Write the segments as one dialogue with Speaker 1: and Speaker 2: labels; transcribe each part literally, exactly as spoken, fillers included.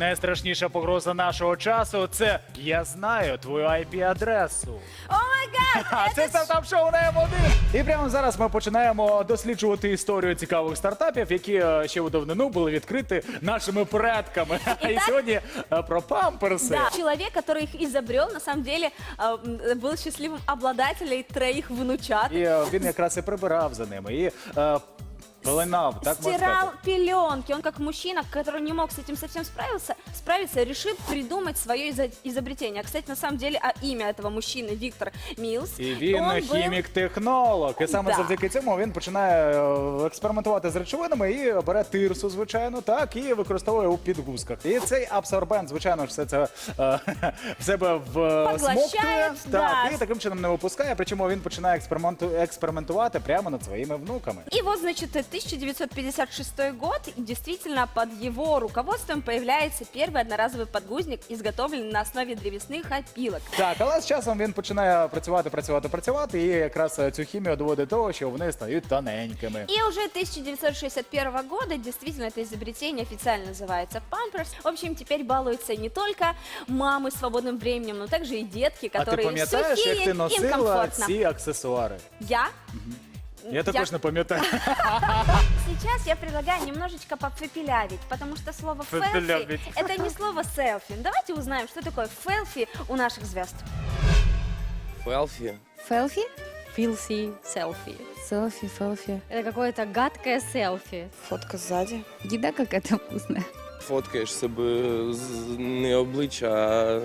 Speaker 1: найстрашніша погроза нашого часу – це «Я знаю твою ай пі-адресу».
Speaker 2: О май гад!
Speaker 1: А це стартап-шоу на М один. І прямо зараз ми починаємо досліджувати історію цікавих стартапів, які е, ще у давнину були відкриті нашими предками. І сьогодні е, про памперси.
Speaker 2: Да, человек, который их изобрел, на самом деле э, был счастливым обладателем троих внучат.
Speaker 1: І е, він якраз і прибирав за ними. І е, пеленав, так можна
Speaker 2: Стирал
Speaker 1: сказати.
Speaker 2: пеленки. Он как мужчина, который не мог с этим совсем справиться, справиться, решил придумать свое изо- изобретение. Кстати, на самом деле, а имя этого мужчины Виктор Миллс.
Speaker 1: І він
Speaker 2: он был-
Speaker 1: хімік-технолог. І саме
Speaker 2: Да.
Speaker 1: завдяки цьому він починає е, експериментувати з речовинами і бере тирсу, звичайно, так, і використовує у підгузках. І цей абсорбент, звичайно ж, все це е, в себе всмоктує,
Speaker 2: да.
Speaker 1: так, і таким чином не випускає. Причому він починає експерименту- експериментувати прямо над своїми внуками.
Speaker 2: И вот, значит, тысяча девятьсот пятьдесят шестой год, и действительно под его руководством появляется первый одноразовый подгузник, изготовленный на основе древесных опилок.
Speaker 1: Так, але з часом він починає працювати, працювати, працювати, і якраз е, цю хімію доводить до того, що вони стають тоненькими.
Speaker 2: И уже тысяча девятьсот шестьдесят первого года действительно это изобретение официально называется Pampers. В общем, теперь балуются не только мамы с свободным временем, но также и детки,
Speaker 1: А ти
Speaker 2: которые
Speaker 1: пам'ятаєш,
Speaker 2: сухие,
Speaker 1: як ти
Speaker 2: им
Speaker 1: носила
Speaker 2: комфортно.
Speaker 1: ці аксесуари?
Speaker 2: Я?
Speaker 1: Я також не пам'ятаю.
Speaker 2: Сейчас я предлагаю немножечко попепелявить, потому что слово «фелфи»
Speaker 1: Попепелявить.
Speaker 2: — это не слово «селфи». Давайте узнаем, что такое «фелфи» у наших звезд.
Speaker 3: Фелфи.
Speaker 4: Фелфи?
Speaker 5: Филси селфи.
Speaker 4: Селфи, селфи.
Speaker 5: Это какое-то гадкое селфи.
Speaker 4: Фотка сзади. Еда какая-то вкусная.
Speaker 3: Фоткаєш себе з не обличчя, а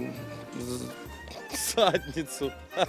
Speaker 3: з- задницю.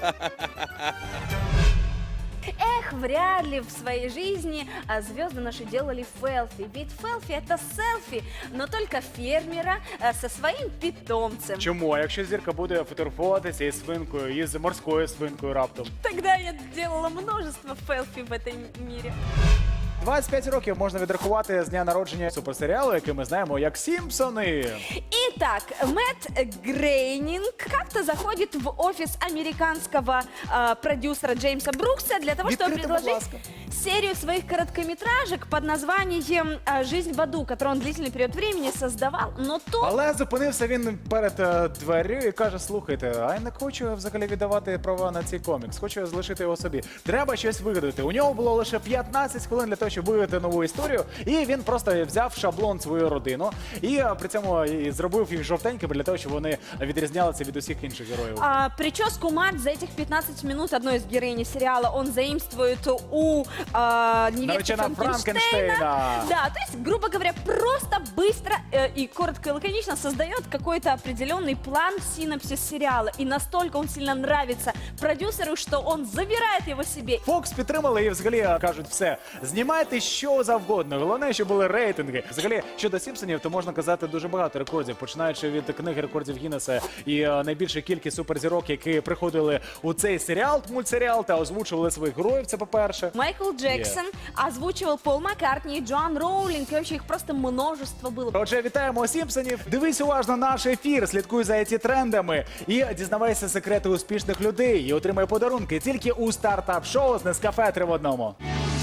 Speaker 2: Эх, вряд ли в своей жизни а, звезды наши делали фелфи. Ведь фелфи — это селфи, но только фермера а, со своим питомцем.
Speaker 1: Чому? А якщо зірка буде фотографуватися із свинкою, із морською свинкою раптом?
Speaker 2: Тогда я делала множество фелфи в этом мире.
Speaker 1: двадцять п'ять років можна відрахувати з дня народження суперсеріалу, який ми знаємо як «Сімпсони».
Speaker 2: Итак, Мэтт Грейнинг как-то заходит в офис американского а, продюсера Джеймса Брукса для того, чтобы
Speaker 1: Відкрийте, будь
Speaker 2: предложить
Speaker 1: ласка.
Speaker 2: серию своих короткометражек под названием а, «Жизнь в аду», которую он длительный период времени создавал, но то...
Speaker 1: Але зупинився він перед е, дверю і каже: слухайте, а я не хочу взагалі віддавати права на цей комікс, хочу залишити його собі. Треба щось вигадати. У нього було лише п'ятнадцять хвилин для того, щоб вигадати нову історію, і він просто взяв шаблон свою родину і е, при цьому і зробив їх жовтенькими для того, щоб вони відрізнялися від усіх інших героїв.
Speaker 2: А, прическу мать за этих пятнадцать минут одной из героинь сериала он заимствует у а, невесты
Speaker 1: Наречена
Speaker 2: Франкенштейна.
Speaker 1: Франкенштейна.
Speaker 2: Да, то есть, грубо говоря, просто быстро э, и коротко и лаконично создает какой-то определенный план, синопсис сериала. И настолько он сильно нравится продюсеру, что он забирает его себе.
Speaker 1: Фокс підтримали і взагалі кажуть, все, знімайте що завгодно. Головне, щоб були рейтинги. Взагалі, щодо Сімпсонів, то можна казати дуже багато рекордів, починаючи від книги рекордів Гіннеса і е, найбільша кількість суперзірок, які приходили у цей серіал, мультсеріал, та озвучували своїх героїв, це по-перше.
Speaker 2: Майкл Джексон озвучивал Пол Маккартни, Джоан Роулинг, и вообще их просто множество было.
Speaker 1: Отже, вітаємо Сімпсонів. Дивись уважно наш ефір, слідкуй за ці трендами і дізнавайся секрети успішних людей і отримай подарунки тільки у стартап-шоу з Нескафе три в одному.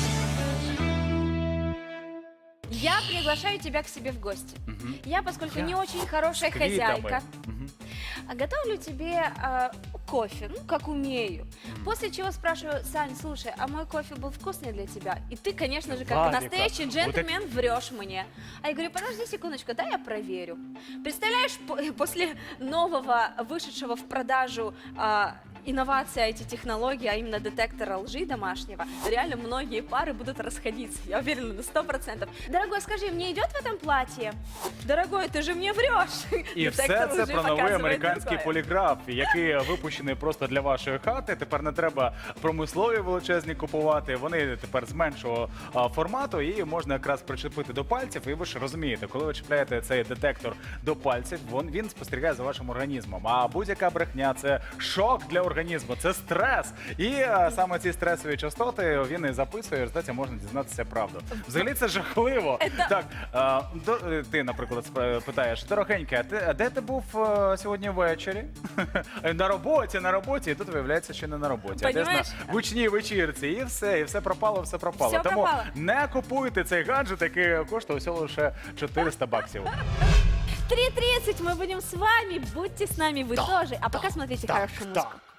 Speaker 2: Я приглашаю тебя к себе в гости. Я, поскольку
Speaker 1: Я
Speaker 2: не очень хорошая
Speaker 1: с квитами.
Speaker 2: хозяйка, а готовлю тебе а, кофе, ну, как умею. После чего спрашиваю: Сань, слушай, а мой кофе был вкусный для тебя? И ты, конечно же, как
Speaker 1: Владика,
Speaker 2: настоящий
Speaker 1: вот
Speaker 2: джентльмен, врешь мне. А я говорю: подожди секундочку, дай я проверю. Представляешь, по- после нового, вышедшего в продажу а, инновация, эти технологии, а именно детектора лжи домашнего, реально многие пары будут расходиться. Я уверена на сто процентов. Дорогой, скажи, мне идет в этом платье? Дорогой, ты же мне врешь.
Speaker 1: І все
Speaker 2: Детектор
Speaker 1: це
Speaker 2: лжи
Speaker 1: про новий
Speaker 2: показывает
Speaker 1: американський
Speaker 2: другое.
Speaker 1: поліграф, який випущений просто для вашої хати. Тепер не треба промислові величезні купувати. Вони тепер з меншого а, формату і можна якраз причепити до пальців. І ви ж розумієте, коли ви чіпляєте цей детектор до пальців, він, він спостерігає за вашим організмом. А будь-яка брехня – це шок для організму, це стрес. І а, саме ці стресові частоти він і записує, і в результаті можна дізнатися правду. Взагалі це жахливо.
Speaker 2: Это-
Speaker 1: Так, а, до, ти, наприклад, спра- питаєш: дорогенька, а ти, а де ти був а, сьогодні ввечері? На роботі, на роботі, і тут виявляється, що не на роботі. А десь
Speaker 2: Понімаєш?
Speaker 1: на гучній вечірці. І все, і все пропало, все пропало.
Speaker 2: Все
Speaker 1: Тому
Speaker 2: пропало.
Speaker 1: не купуйте цей гаджет, який коштує всього лише чотириста баксів.
Speaker 2: три тридцать мы будем с вами. Будьте с нами, вы
Speaker 6: Да,
Speaker 2: тоже. А
Speaker 6: да,
Speaker 2: пока смотрите
Speaker 6: так,
Speaker 2: хорошую музыку.
Speaker 6: так.